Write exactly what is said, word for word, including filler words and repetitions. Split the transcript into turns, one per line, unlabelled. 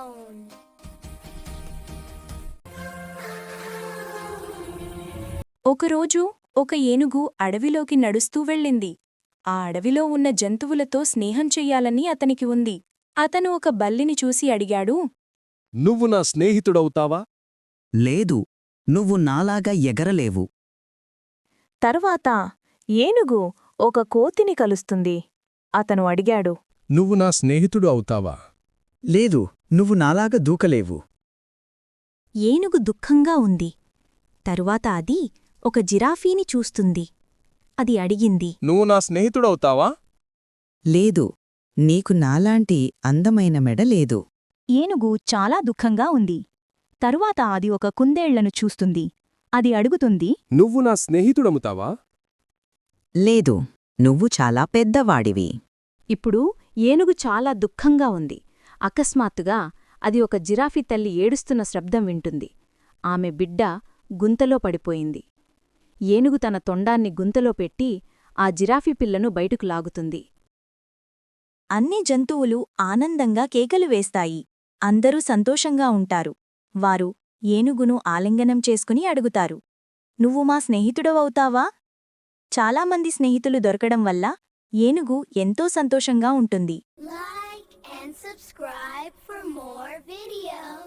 alone.
ఒకరోజు ఒక ఏనుగు అడవిలోకి నడుస్తూ వెళ్ళింది. ఆ అడవిలో ఉన్న జంతువులతో స్నేహం చెయ్యాలని అతనికి ఉంది. అతను ఒక బల్లిని చూసి అడిగాడు.
నువ్వు నా స్నేహితుడవుతావా?
లేదు, నువ్వు నాలాగా ఎగరలేవు.
తర్వాత ఏనుగు ఒక కోతిని కలుస్తుంది. అతను అడిగాడు.
నువ్వు నా స్నేహితుడు అవుతావా?
లేదు, నువ్వు నాలాగా దూకలేవు.
ఏనుగు దుఃఖంగా ఉంది. తరువాత అది ఒక జిరాఫీని చూస్తుంది. అది అడిగింది.
నువ్వు నా స్నేహితుడవుతావా?
లేదు, నీకు నాలాంటి అందమైన మెడ లేదు.
ఏనుగు చాలా దుఃఖంగా ఉంది. తరువాత అది ఒక కుందేళ్లను చూస్తుంది. అది అడుగుతుంది.
నువ్వు నా స్నేహితుడవుతావా?
లేదు, నువ్వు చాలా పెద్దవాడివి.
ఇప్పుడు ఏనుగు చాలా దుఃఖంగా ఉంది. అకస్మాత్తుగా అది ఒక జిరాఫీ తల్లి ఏడుస్తున్న శబ్దం వింటుంది. ఆమె బిడ్డ గుంతలో పడిపోయింది. ఏనుగు తన తొండాన్ని గుంతలో పెట్టి ఆ జిరాఫీ పిల్లను బయటకు లాగుతుంది.
అన్ని జంతువులు ఆనందంగా కేకలు వేస్తాయి. అందరూ సంతోషంగా ఉంటారు. వారు ఏనుగును ఆలింగనం చేసుకుని అడుగుతారు. నువ్వు మా స్నేహితుడవవుతావా? చాలామంది స్నేహితులు దొరకడం వల్ల ఏనుగు ఎంతో సంతోషంగా ఉంటుంది.
Like and subscribe for more videos.